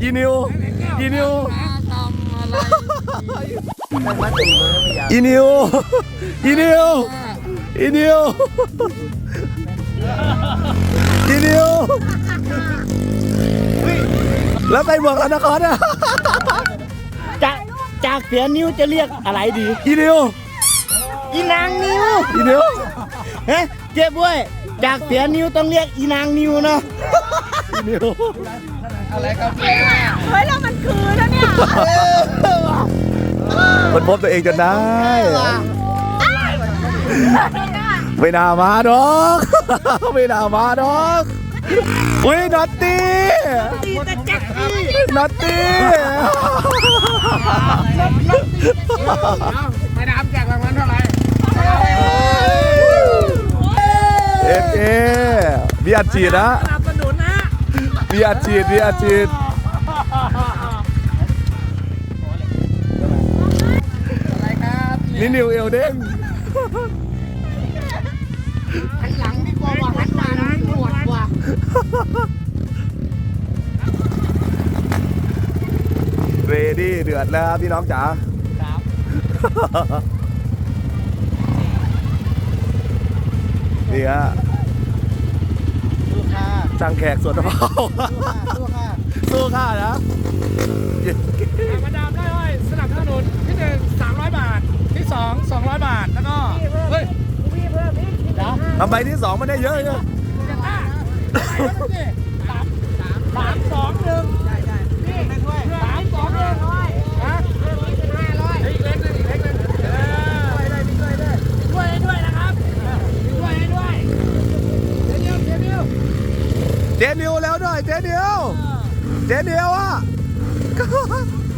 อีนิวอีนิวอีนิวอีนิวอีนิวอีนิวแล้วไปเมืองนครอ่ะจากเสียนิ้วจะเรียกอะไรดีอีนิวอีนางนิ้วอีนิวเฮ้เจ๊บ้วยจากเสียนิ้วต้องเรียกอีนางนิ้วเนาะอีนิวเฮ้ยเรามันคือแล้วเนี่ยมันพบตัวเองจนได้ไม่น่ามาดอกไม่น่ามาดอกอุ้ยน็อตตี้น็อตตี้ไม่ได้แจกรางวัลเท่าไหร่เอมีอัดฉีดนะสนับสนุนนะมีอัดฉีดมีอัดฉีดนี่นิวเอลเด้งหันหลังดีกว่าหันหลังปวดกว่าเรดี้เดือดแล้วพี่น้องจ๋านี่ฮะช่างแขกสวนมะพร้าวสู้ค่านะมาดามได้เลยสนับสนุนที่1 300 บาทที่2 200 บาทแล้วก็เฮ้ยทำไมที่ 2มันได้เยอะเลย 3 2 1นี่3 2 1ฮะอีกเล็กนึงอีกเล็กนึงช่วยด้วยนะครับช่วยให้ด้วยเดี๋ยวเจนิวแล้วด้วยเจนิวอ่ะ